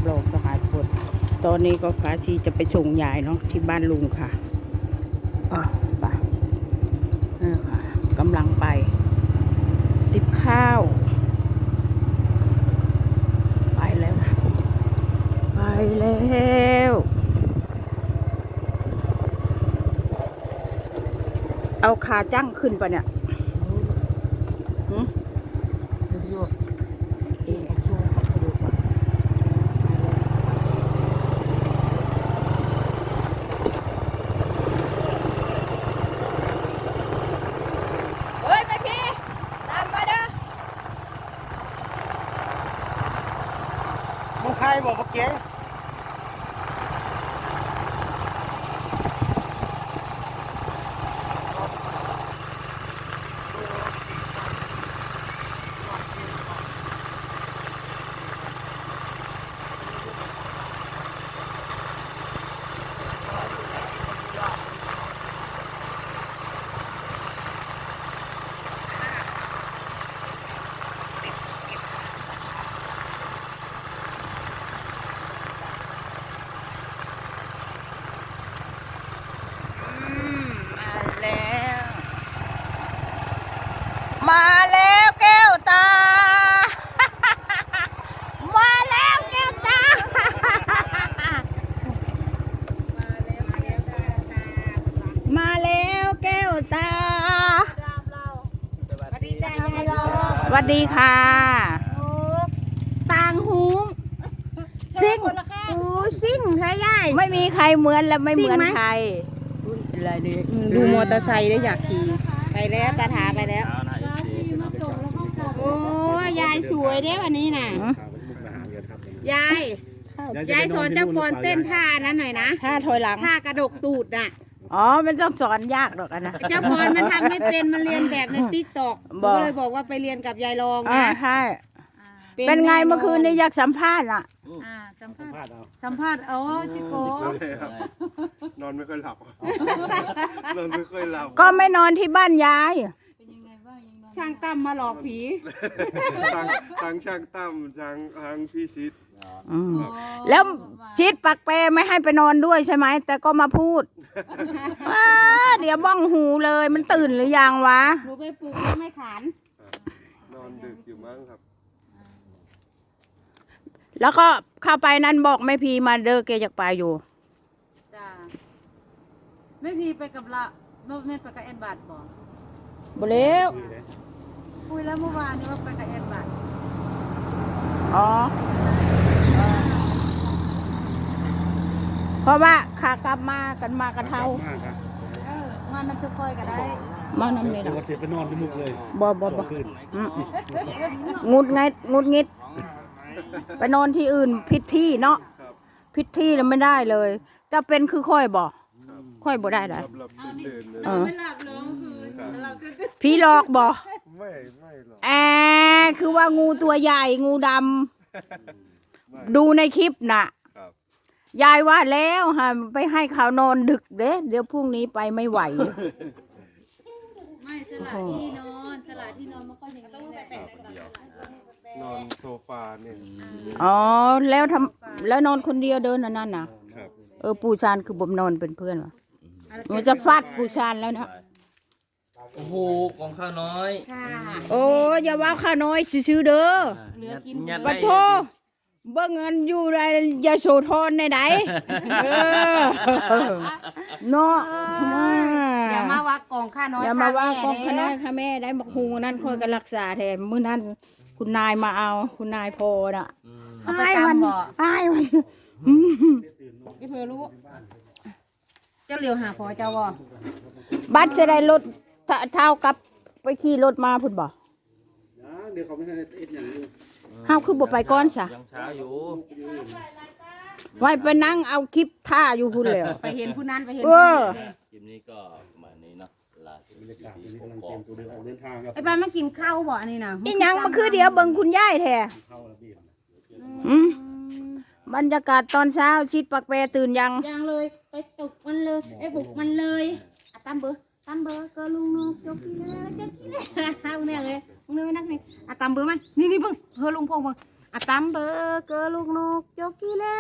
บลองสหายพลตอนนี้ก็ฟ้าชีจะไปส่งยายเนาะที่บ้านลุงค่ะไปนี่ค่ะกำลังไปติบข้าวไปแล้วนะไปแล้วเอาขาจั่งขึ้นปะเนี่ยมึงใครบอกมาเก๋งมาแล้วแก้วตา มาแล้วแก้วตา มาแล้วแก้วตาสวัสดีจ้ายายรอสวัสดีค่ะต่างหูซิ่งซิ่งใช่ยายไม่มีใครเหมือนและไม่เหมือนใครอะไรดีดูมอเตอร์ไซค์ได้อยากขี่ไปแล้วตาถาไปแล้วโอ้ยายสวยเด้วันนี้น่ะยายสอนเจ้าพรเต้นท่านั้นหน่อยนะท่าถอยหลังท่ากระดกตูดน่ะอ๋อมันต้องสอนยากหรอกนะเจ้าพรมันทำไม่เป็นมันเรียนแบบในติ๊กต็อกก็เลยบอกว่าไปเรียนกับยายรองนะใช่เป็นไงเมื่อคืนนี้อยากสัมภาษณ์อ่ะสัมภาษณ์อ๋อจิโกนอนไม่ค่อยหลับนอนไม่ค่อยหลับก็ไม่นอนที่บ้านยายช่างตั้มมาหลอกผีทางช่างตั้มทางพี่ชิดแล้วชิดปักเปไม่ให้ไปนอนด้วยใช่ไหมแต่ก็มาพูดเดี๋ยวบ้องหูเลยมันตื่นหรือยังวะหนูไปปลุกแล้วไม่ขานนอนดึกอยู่มั้งครับแล้วก็เข้าไปนั้นบอกแม่พีมาเด้อแกอยากไปอยู่จ้าแม่พีไปกับละแม่ไปกับแอนบาทบอกบ่แล้วคุยแล้วเมื่อวานนี้ว่าไปกับแอนบาทอ๋อเพราะว่าขากลับมากันมากระเท่ามันคือคอยก็ได้มาน้ำเลยนะเสียไปนอนที่มุกเลยบ่งุดงิดไปนอนที่อื่นพิษที่เนาะพิษที่แล้วไม่ได้เลยจะเป็นคือค่อยบ่ค่อยบ่ได้เลยไม่หลับเลยคือพี่หลอกบ่ไม่หรอกคือว่างูตัวใหญ่งูดำดูในคลิปน่ะยายว่าแล้วฮะไปให้เขานอนดึกเดี๋ยวพรุ่งนี้ไปไม่ไหวไม่สละที่นอนมันก็อย่างนี้แหละนอนโซฟาเนี่ยอ๋อแล้วนอนคนเดียวเดินนั่นน่ะปูชานคือบ่นอนเป็นเพื่อนวะมันจะฟาดปูชานแล้วนะโอ้โหกองข้าวน้อยโอ้อย่าว่าข้าน้อยซื้อเด้อปะโทเบิ่งเงินอยู่ไรยาโสธรในไหนเนาะอย่ามาว่ากองข้าน้อยอย่ามาว่ากองข้าน้อยข้าแม่ได้บักฮูนั่นคอยกันรักษาแทนมื้อนั้นคุณนายมาเอาคุณนายโพน่ะให้มันไม่เพื่อรู้เจ้าเหลียวหาพอเจ้าวะบัตรจะได้รถเท่ากับไปขี่รถมาพุ่นบ่เดี๋ยวเขาไม่ให้เอ็ดอย่างนี้เฮาคือบ่ไปก่อนซะยังช้าอยู่ไว้ไปนั่งเอาคลิปท่าอยู่พุ่นแล้วไปเห็นผู้นั้นไปเห็นผู้นี้คลิปนี้ก็ประมาณนี้เนาะบรรยากาศนี้กำลังเตรียมตัวเดินทางครับไอ้บ้านมากินข้าวบ่อันนี้นะอีหยังมาคือเดี๋ยวเบิ่งคุณยายแท้บรรยากาศตอนเช้าชิดปักแปรตื่นยังเลยไปปลุกมันเลยไปปลุกมันเลยตั้มเบอร์ก็ลุงนกจบที่แล้วเอาเนี่ยเลยมึงเลยนักนี่ตั้มเบอร์มั้ยนี่เบิ่งเฮอลุงพงเบิ่งอะตามเบอร์เกอลูกนกโจกี้เล่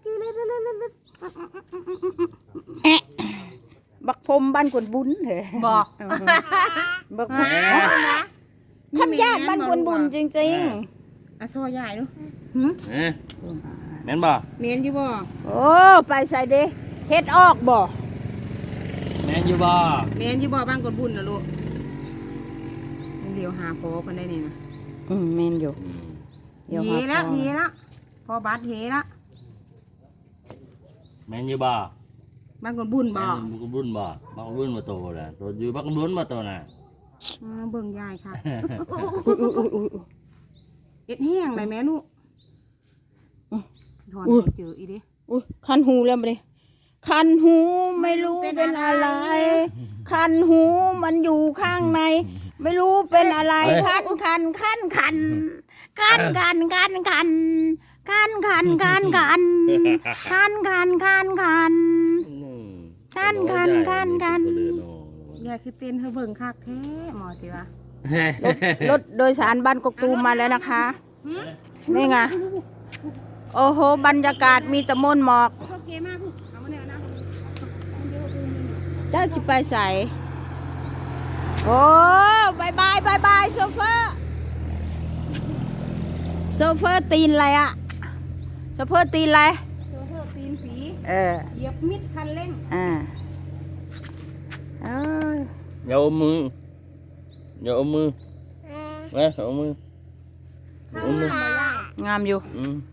แอะบักพรมบ้านกวนบุญเหรอบอกบักคำญาติบ้านกวนบุญจริงๆอะซอใหญ่ดูแม่นบ่เมียนอยู่บ่โอ้ไปใส่เด้เฮ็ดออกบ่แม่นอยู่บ่เมียนอยู่บ่บ้านกดบุญนะลูกเดี๋ยวหาพอกันได้นี่นะแม่นอยู่เฮแล้วพอบาดเฮแล้วแม่นอยู่บ่บ้านกดบุญบ่บักบุญบ่บักบุญมาโตน่ะตัวอยู่บักบุญมาโตน่ะเบิ่งยายค่ะเอ็ดแห้งเลยแม่ลูกถอนเจออีดิอุ้ยคันหูแล้วบ่ดิคันหูไม่รู้เป็นอะไร คันหูมันอยู่ข้างใน ไม่รู้เป็นอะไรคันยายคือเต้นเธอเบิ่งคักแท้หมอสิวะรถโดยสารบ้านกกตูมมาแล้วนะคะนี่ไงโอ้โหบรรยากาศมีแต่มนหมอกโอเคมากเอามาเนี่ยนะเจ้าสิไปใส่โอ้บายโซเฟอร์ตีนอะไรอะโซเฟอร์ตีนอะไรโซเฟอร์ตีนผี เหยียบมิดคันเร่งอย่าอมมือเอามืองามอยู่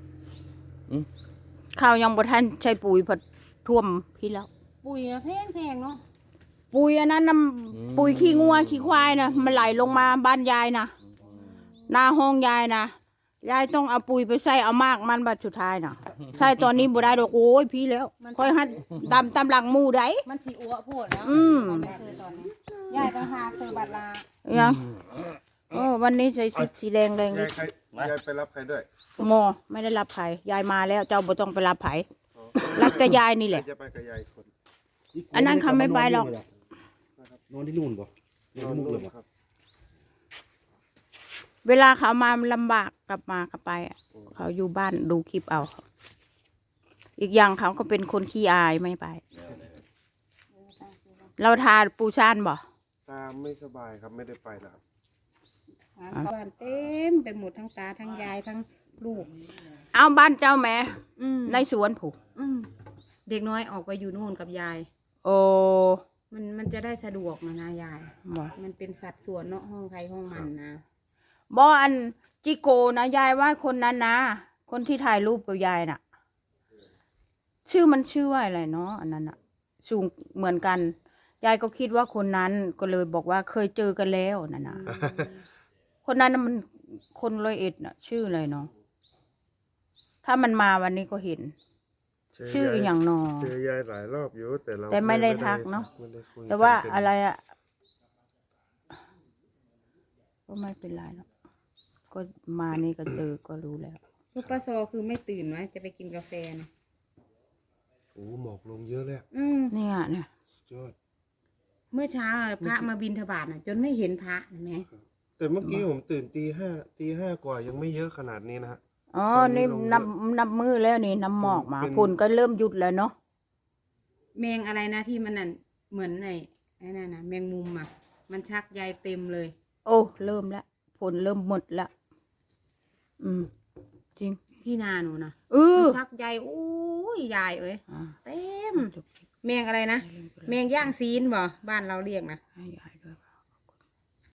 ข้าวยังบ่ทันใช้ปุ๋ยผัดท่วมพี่แล้วปุ๋ยแพงเนาะปุ๋ยอันนั้นน้ำปุ๋ยขี้งัวขี้ควายนะมันไหลลงมาบ้านยายนะหน้าห้องยายนะยายต้องเอาปุ๋ยไปใส่เอามากมันบัดสุดท้ายนะใส่ตอนนี้บ่ได้ดอกโอ้ยพี่แล้วค่อยหัดตำหลังหมู่ได้มันสีอ้วโพดแล้วมันไม่ซื้อตอนนี้ยายต้องหาซื้อบัตรลายังโอ้วันนี้ใส่ชุดสีแดงเลยยายไปรับใครด้วยโมไม่ได้รับไผ่ยายมาแล้วเจ้าบ่ต้องไปรับไผ่รับแต่ยายนี่แหละจะไปกับยายคนอันนั้นเขาไม่ไปหรอกนอนที่นู่นป่ะนอนที่มุกเลยป่ะครับเวลาเขามาลำบากกลับมาก็ไปอะเขาอยู่บ้านดูคลิปเอา อีกอย่างเขาก็เป็นคนขี้อายไม่ไป เราทานปูชานบ่ตาไม่สบายครับไม่ได้ไปแล้วครับบ้านเต็มไปหมดทั้งตาทั้งยายทั้งลูกเอาบ้านเจ้าแม่ในสวนผูกเด็กน้อยออกไปอยู่นู่นกับยายโอ้มันจะได้สะดวกนะยายบ่มันเป็นสัดส่วนเนาะห้องใครห้องมันนะบ่อันจิโกนะยายว่าคนนั้นนะคนที่ถ่ายรูปกับยายน่ะ ชื่อว่าอะไรเนาะอันนั้นน่ะ สูงเหมือนกันยายก็คิดว่าคนนั้นก็เลยบอกว่าเคยเจอกันแล้วนั่นน่ะ คนนั้นน่ะมันคน101น่ะ ชื่ออะไรเนาะถ้ามันมาวันนี้ก็เห็น ชื่ออย่างนอเจอยายหลายรอบอยู่แต่เราแต่ไม่ได้ทักเนาะไม่ได้คุยแต่ว่าอะไรอะก็ไม่เป็นไรเนาะก็มานี่ก็เจอก็รู้แล้วลูกป้าโซคือไม่ตื่นไว้จะไปกินกาแฟนะโอ้หมอกลงเยอะเลยอะเนี่ยเนี่ยสุดยอดเมื่อเช้าพระมาบิณฑบาตน่ะ จนไม่เห็นพระเห็นไหมแต่เมื่อกี้ผมตื่นตีห้ากว่ายังไม่เยอะขนาดนี้นะฮะอ๋อนี่นับมือแล้วนี่น้ำหมอกมาฝุ่นก็เริ่มหยุดแล้วเนาะแมงอะไรนะที่มันนั่นเหมือนไอ้นั่นนะแมงมุมอ่ะ มันชักใยเต็มเลยโอ้เริ่มแล้วฝนเริ่มหมดละจริงที่นาหนูนะมันชักใยโอ้ยยายเอ้ยอ่าเต็มแมงอะไรนะแมงย่างซีนบ่บ้านเราเรียกนะให้ยายด้วยค่ะ